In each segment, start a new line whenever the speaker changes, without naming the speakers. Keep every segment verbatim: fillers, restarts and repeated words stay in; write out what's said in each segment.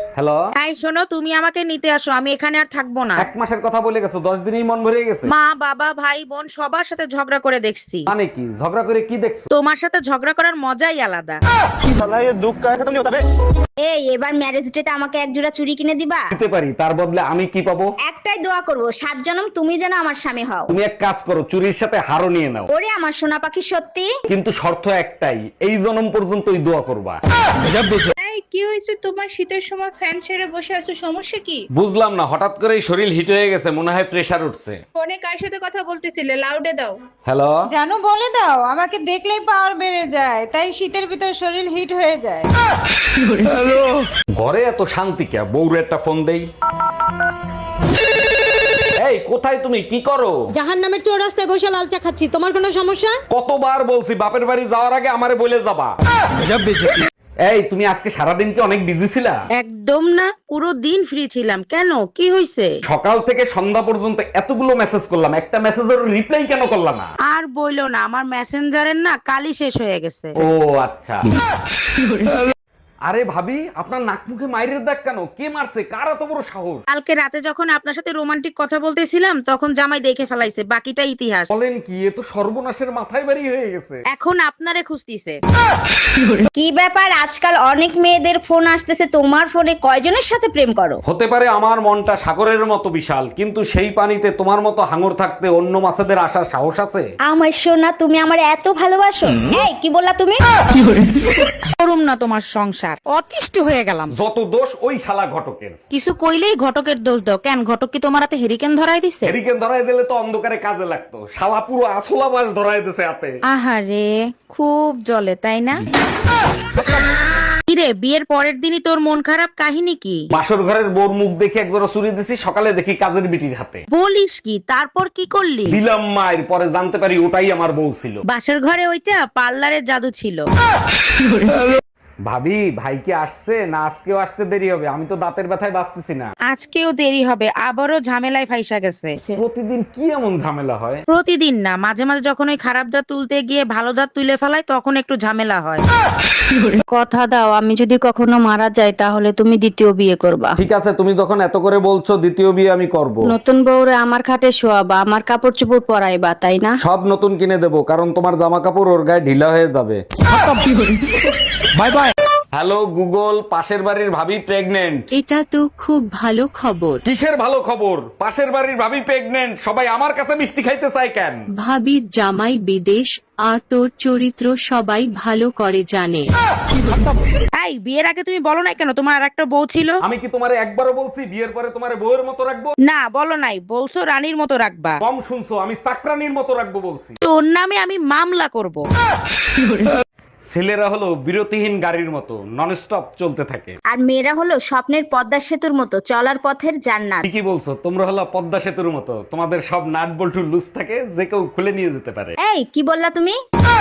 Hello.
এই শোনো, তুমি আমাকে নিতে আসো, আমি এখানে আর থাকবো না।
এক মাসের কথা বলে গেছো, দশ দিনেই মন ভরে গেছে।
মা বাবা ভাই বোন সবার সাথে ঝগড়া করে দেখছি।
মানে কি ঝগড়া করে কি দেখছো?
তোমার সাথে ঝগড়া করার মজাই আলাদা।
এই এবার ম্যারেজ ডেতে আমাকে এক জোড়া চুড়ি কিনে দিবা?
দিতে পারি, তার বদলে আমি কি পাবো?
একটাই দোয়া করব, সাত জনম তুমি যেন আমার স্বামী হও।
তুমি এক কাজ করো, চুরির সাথে হারও নিয়ে নাও।
ওরে আমার সোনা পাখি, সত্যি?
কিন্তু শর্ত একটাই, এই জনম পর্যন্তই দোয়া করবা।
এই কি হয়েছে তোমার? শীতের সময় ফ্যান ছেড়ে বসে আছো, সমস্যা কি?
বুঝলাম না, হঠাৎ করেই শরীর হিট হয়ে গেছে, মনে হয় প্রেসার উঠছে।
ফোনে কার সাথে কথা বলতেছিলে? লাউডে দাও।
হ্যালো।
জানো বলে দাও, আমাকে দেখলেই পাওয়ার বেড়ে যায়, তাই শীতের ভিতর শরীর হিট হয়ে যায়।
ঘরে এত শান্তি কে? বউরে একটা ফোন দেই। এই কোথায় তুমি, কি করো?
জাহান নামের চোর রাস্তায় বসে লাল চা খাচ্ছি, তোমার কোনো সমস্যা?
কতবার বলছি বাপের বাড়ি যাওয়ার আগে আমারে বলে যাবা। এই তুমি আজকে সারাদিন কি অনেক বিজি ছিলা?
একদম না, পুরো দিন ফ্রি ছিলাম। কেন, কি হয়েছে?
সকাল থেকে সন্ধ্যা পর্যন্ত এতগুলো মেসেজ করলাম, একটা মেসেজের রিপ্লাই কেন করলা না?
আর বইলো না, আমার মেসেঞ্জারের না কালই শেষ হয়ে গেছে।
ও আচ্ছা। আরে ভাবি, আপনার নাক মুখে মাইরের দাগ কেন? কে মারছে? কার এত বড় সাহস?
কালকে রাতে যখন আপনার সাথে রোমান্টিক কথা বলতেছিলাম, তখন জামাই দেখে ফেলাইছে, বাকিটা ইতিহাস।
বলেন কি, এ তো সর্বনাশের মাথায় বাড়ি হয়ে গেছে।
এখন আপনারে খুঁজতিছে।
কি ব্যাপার, আজকাল অনেক মেয়েদের ফোন আসতেছে, তোমার ফোনে কয়জনের সাথে প্রেম করো?
হতে পারে আমার মনটা সাগরের মতো বিশাল, কিন্তু সেই পানিতে তোমার মতো হাঙর থাকতে অন্য মাছেদের আসার সাহস আছে?
আমার সোনা, তুমি আমার এত ভালোবাসো? এই কি বললা তুমি?
করুম না তোমার সংসার, অতিষ্ঠ হয়ে গেলাম।
যত দোষ ওই শালা ঘটকের।
কিছু কইলেই ঘটকের দোষ দাও কেন? ঘটক কি তোমার হাতে হেরিকেন ধরাই দিছে?
হেরিকেন ধরাই দিলে তো অন্ধকারে কাজে লাগতো, শালা পুরো আসলা মাছ ধরাই দিছে হাতে।
আহারে, খুব জ্বলে তাই না? কিরে, বিয়ের পরের দিনই তোর মন খারাপ, কাহিনী কি?
বাসর ঘরের বোর মুখ দেখে একজোড়া চুরি দিছি, সকালে দেখি কাজের বিটির হাতে।
বলিস কি? তারপর কি করলি?
দিলাম মায়ের, পরে জানতে পারি ওটাই আমার বউ ছিল।
বাসর ঘরে ওইটা পার্লারের জাদু ছিল।
ভাবি, ভাই কি আসছে না আজকেও আসতে দেরি হবে? আমি তো দাঁতের ব্যথায় বাঁচতেছি না।
আজকেও দেরি হবে, আবারও ঝামেলায় ফাইসা গেছে।
প্রতিদিন কি এমন ঝামেলা হয়?
প্রতিদিন না, মাঝে মাঝে যখন ওই খারাপ দাঁত তুলতে গিয়ে ভালো দাঁত তুলে ফেলায়, তখন একটু ঝামেলা হয়।
কথা দাও, আমি যদি কখনো মারা যাই তাহলে তুমি দ্বিতীয় বিয়ে করবা।
ঠিক আছে, তুমি যখন এত করে বলছো, দ্বিতীয় বিয়ে আমি করব।
নতুন বউরে আমার খাটে শোয়াবা, আমার কাপড় চোপড় পরাইবা, তাই না?
সব নতুন কিনে দেবো, কারণ তোমার জামা কাপড় ওর গায়ে ঢিলা হয়ে যাবে। Bye bye. হ্যালো গুগল, পাশের বাড়ির ভাবি প্রেগনেন্ট।
এটা তো খুব ভালো খবর।
কিসের ভালো খবর? পাশের বাড়ির ভাবি প্রেগনেন্ট, সবাই আমার কাছে মিষ্টি খাইতে চায় কেন?
ভাবির জামাই বিদেশ, আর তোর চরিত্র সবাই ভালো করে জানে।
এই বিয়ের আগে তুমি বলো নাই কেন তোমার আর একটা বউ ছিল?
আমি কি তোমারে একবারও বলছি বিয়ের পরে তোমারে বউয়ের মতো রাখবো?
না, বলো নাই, বলছো রানীর মতো রাখবা।
কম শুনছো, আমি চাকরানির মতো রাখবো বলছি।
তোর নামে আমি মামলা করব।
ছেলেরা হলো বিরতিহীন গাড়ির মতো, নন স্টপ চলতে থাকে।
আর মেয়েরা হলো স্বপ্নের পদ্মা সেতুর মতো, চলার পথের জান্নাত।
ঠিকই বলছো, তোমরা হলো পদ্মা সেতুর মতো, তোমাদের সব নাট বল্টু লুজ থাকে, যে কেউ খুলে নিয়ে যেতে পারে।
এই কি বললা তুমি?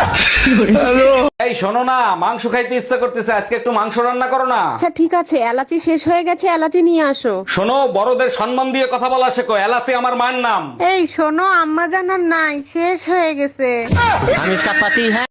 এই শোনো না, মাংস খাইতে ইচ্ছা করতেছে, আজকে একটু মাংস রান্না করো না।
আচ্ছা ঠিক আছে, এলাচি শেষ হয়ে গেছে, এলাচি নিয়ে আসো।
শোনো, বড়দের সম্মান দিয়ে কথা বলা শেখো, এলাচি আমার মায়ের নাম।
এই শোনো, আম্মা জানার নাই, শেষ হয়ে গেছে।